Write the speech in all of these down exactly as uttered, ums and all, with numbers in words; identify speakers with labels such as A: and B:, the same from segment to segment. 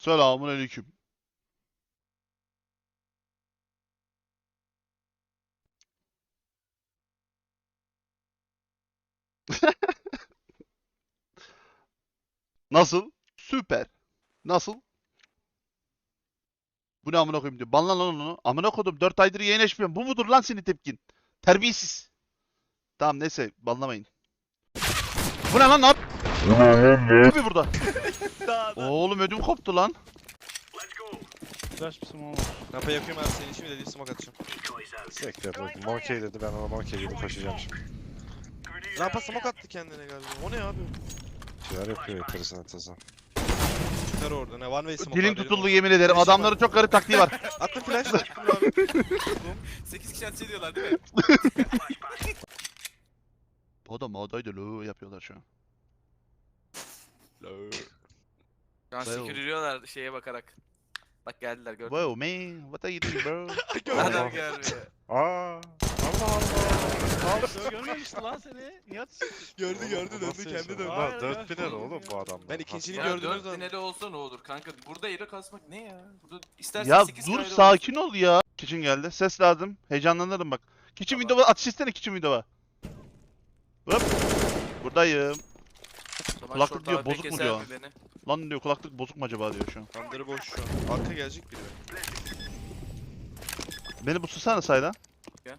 A: Selamun aleyküm. Nasıl? Süper. Nasıl? Bu ne amına koyayım diyor. Banlan lan onu. Amına koydum. dört aydır yayın açmıyorum. Bu mudur lan senin tepkin? Terbiyesiz. Tamam neyse banlamayın. Bu ne lan? Ne yap? Ne burada? Oğlum ödüm koptu lan.
B: Flash bir smoke var.
C: Rampa yapıyorum abi senin için de değil smoke atacağım.
D: Sekte bakayım. Monkey dedi, ben ona monkey gibi koşacağım şimdi.
C: Rampa smoke attı kendine galiba. O ne abi?
D: Şeyler yapıyor enteresan enteresan.
C: Çıkar orada ne one way smoke
A: Dilim
C: abi,
A: tutuldu
C: benim
A: yemin ederim.
C: Flash'ım
A: Adamların
C: var.
A: çok garip taktiği var.
C: o. Attım flash. Attım abi.
E: sekiz kişi ateş ediyorlar değil mi?
A: Moda modaydı lo yapıyorlar şu an.
E: Şu an
A: Wow.
E: sekürüyorlar şeye bakarak. Bak geldiler gördün.
A: Wow man, what are you doing bro?
E: Adam
D: Allah.
E: gelmiyor.
D: Aa! Allah Allah!
B: Abi görmemişti lan seni. Niye atıyorsun?
C: Gördü
D: Oğlum,
C: gördü
D: bu
C: döndü
D: nasıl
C: kendi
D: yaşam?
C: döndü.
B: Hayır,
D: Lan dört
B: ben-
D: biner oğlum bu adam.
C: Ben ikincini
E: Ya
C: gördünüz
E: dört
C: lan.
E: finali olsa ne olur kanka? Burada yere kasmak ne ya? Burada istersen
A: Ya
E: sekiz
A: dur
E: kaydı
A: sakin ol ya. Kitchen geldi. Ses lazım. Heyecanlanırım bak. Kitchen
E: Tamam.
A: window'a atış istene kitchen window'a. Hop. Buradayım.
E: olsun. O zaman
A: kulaklık
E: short
A: diyor,
E: A W P
A: bozuk mu
E: keser
A: diyor?
E: mi beni?
A: Lan diyor kulaklık bozuk mu acaba diyor şu an.
C: Under'ı boş şu an. Arka gelecek biri.
A: Beni bu susana sayda.
E: Gel.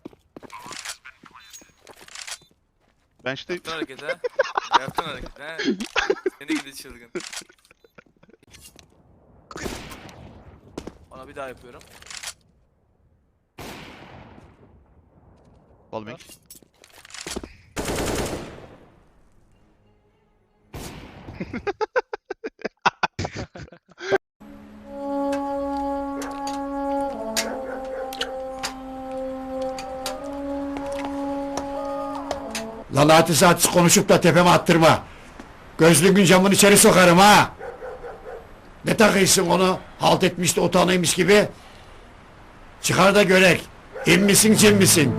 A: Ben işte
E: Yaptın hareket ha. Yaptın hareket ha. Seni gidi çılgın. Ona bir daha yapıyorum.
A: Balming.
F: Lan hadis hadis konuşup da tepeme attırma. Gözlüğün camını içeri sokarım ha. Ne takıyorsun onu? Halt etmiş de utanıymış gibi. Çıkar da görek. İn misin cin misin?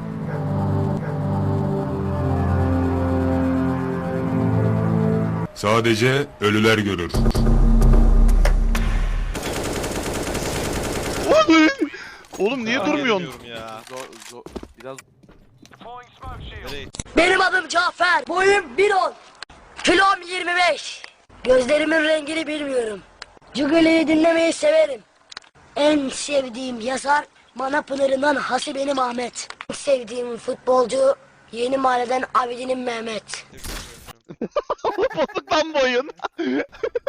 G: Sadece ölüler görür.
A: Oğlum! Oğlum niye
C: Aa,
A: durmuyorsun?
C: gelmiyorum Ya.
E: Zor zor. Biraz
C: Nereye?
H: Benim adım Cafer. Boyum bir on. Kilom yirmi beş. Gözlerimin rengini bilmiyorum. Cugali'yi dinlemeyi severim. En sevdiğim yazar Manapınar'ından Hasibenim Ahmet. En sevdiğim futbolcu Yeni Mahalleden Abidin'in Mehmet.
A: Bozuk lan bu oyun.